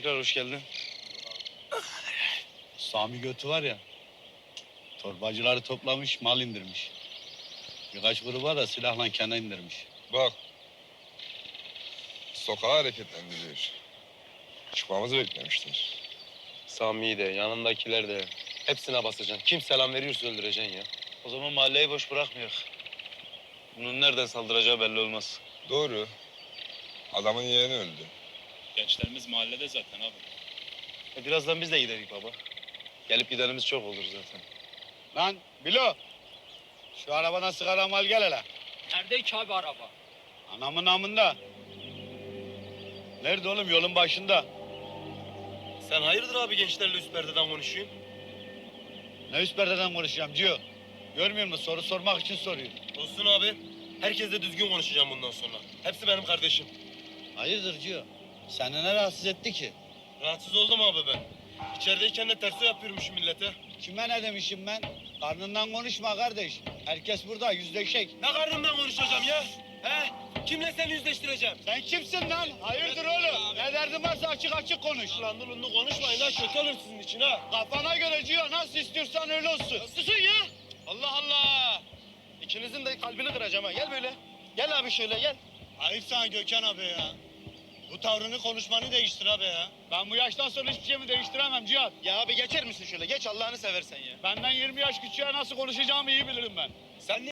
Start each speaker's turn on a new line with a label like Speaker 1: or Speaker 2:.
Speaker 1: tekrar hoş geldin.
Speaker 2: Sami Götü var ya, torbacıları toplamış, mal indirmiş. Birkaç gruba da silahla kene indirmiş.
Speaker 3: Bak. Sokağı hareketlendiriyor. Çıkmamızı beklemişler.
Speaker 1: Sami'yi de, yanındakiler de. Hepsine basacaksın. Kim selam veriyorsa öldüreceksin ya. O zaman mahalleyi boş bırakmıyor. Bunun nereden saldıracağı belli olmaz.
Speaker 3: Doğru. Adamın yeğeni öldü.
Speaker 4: Gençlerimiz mahallede zaten abi.
Speaker 1: Birazdan biz de giderik baba. Gelip gidenimiz çok olur zaten.
Speaker 2: Lan Bilo, şu arabadan sigara mal gel hele.
Speaker 5: Nerede ki abi araba?
Speaker 2: Anamın namında. Nerede oğlum, yolun başında.
Speaker 1: Sen hayırdır abi gençlerle üst perdeden konuşuyorsun?
Speaker 2: Ne üst perdeden konuşacağım Cio? Görmüyor musun? Soru sormak için soruyor.
Speaker 1: Olsun abi. Herkesle düzgün konuşacağım bundan sonra. Hepsi benim kardeşim.
Speaker 2: Hayırdır Cio? Seni ne rahatsız etti ki?
Speaker 1: Rahatsız oldum abi ben. İçerideyken de terso yapıyormuşum millete.
Speaker 2: Kime ne demişim ben? Karnından konuşma kardeş. Herkes burada, yüzleşek.
Speaker 1: Ne karnımdan konuşacağım ya? He? Kimle seni yüzleştireceğim?
Speaker 2: Sen kimsin lan? Hayırdır oğlum? Ne derdin varsa açık açık konuş.
Speaker 1: Ulan durun konuşmayın ha, kötü olur sizin için ha.
Speaker 2: Kafana göre Cio, nasıl istiyorsan öyle olsun.
Speaker 1: Susun ya! Allah Allah! İkinizin de kalbini kıracağım ha. Gel böyle. Gel abi şöyle gel.
Speaker 2: Ayıp sana Gökhan abi ya. Bu tavrını, konuşmanı değiştir abi ya. Ben bu yaştan sonra hiçbir şeyimi değiştiremem Cihat.
Speaker 1: Ya abi geçer misin şöyle? Geç Allah'ını seversen ya.
Speaker 2: Benden 20 yaş küçüğe nasıl konuşacağımı iyi bilirim ben.
Speaker 1: Sen